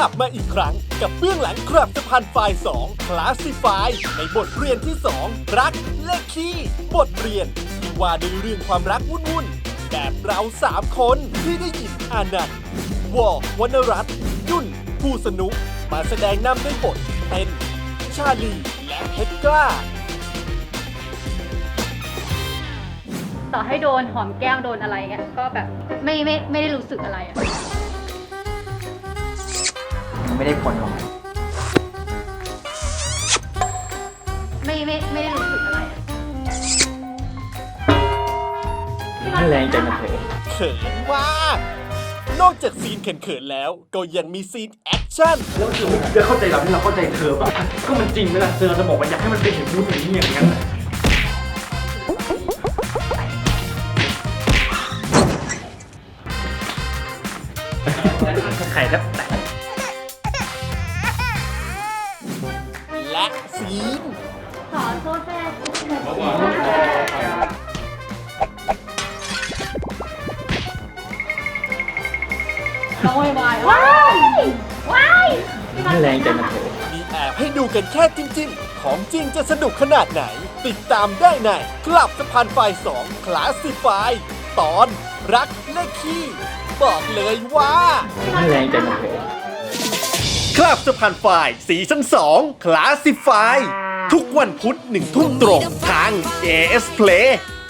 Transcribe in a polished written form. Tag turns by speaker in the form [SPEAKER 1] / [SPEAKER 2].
[SPEAKER 1] ลับมาอีกครั้งกับเบื้องหลังกลับสะพานไฟล์2 Classify ในบทเรียนที่ 2 รักเลขคี่บทเรียนที่ว่าด้วยเรื่องความรักวุ่นๆแบบเรา3คนที่ได้ยินอานันต์วอวรรณรัตน์ยุ่นผู้สนุกมาแสดงนำด้วยบทเป็นชาลีและเพชรกล้า
[SPEAKER 2] ต่อให้โดนหอมแก้มโดนอะไรเงี้ยก็แบบไม่ได้รู้สึกอะไรอะ
[SPEAKER 3] ไม่ได้ผลหรอก
[SPEAKER 2] ไม่ได้รู้สึกอะไรอะ
[SPEAKER 3] ไม่แรงใจนะเธอ
[SPEAKER 1] เขินมาก นอกจากซีนเขินๆแล้ว ก็ยังมีซีนแอคชั่น
[SPEAKER 3] แล้วเธอไม่ได้เข้าใจเราที่เราเข้าใจเธอป่ะก็มันจริงไหมล่ะเธอจะบอกว่าอยากให้มันเป็นเห็นรู้สึกอย่างนั้นไข่แทบแตก
[SPEAKER 1] และซีน
[SPEAKER 2] ขอโทษแม่น้องวายว้าย
[SPEAKER 3] ไม่แรงใจนะเธอ
[SPEAKER 1] มีแอบให้ดูกันแค่จิ้มๆ ของจริงจะสนุกขนาดไหน ติดตามได้ในกลับสะพานไฟ2 Classify ตอนรักเลขคี่บอกเลยว่า
[SPEAKER 3] ไม่แรงใจนะเธอ
[SPEAKER 1] คลับสะพานไฟซีซั่น2 Classify ทุกวันพุธ1 ทุ่มตรงทาง AS Play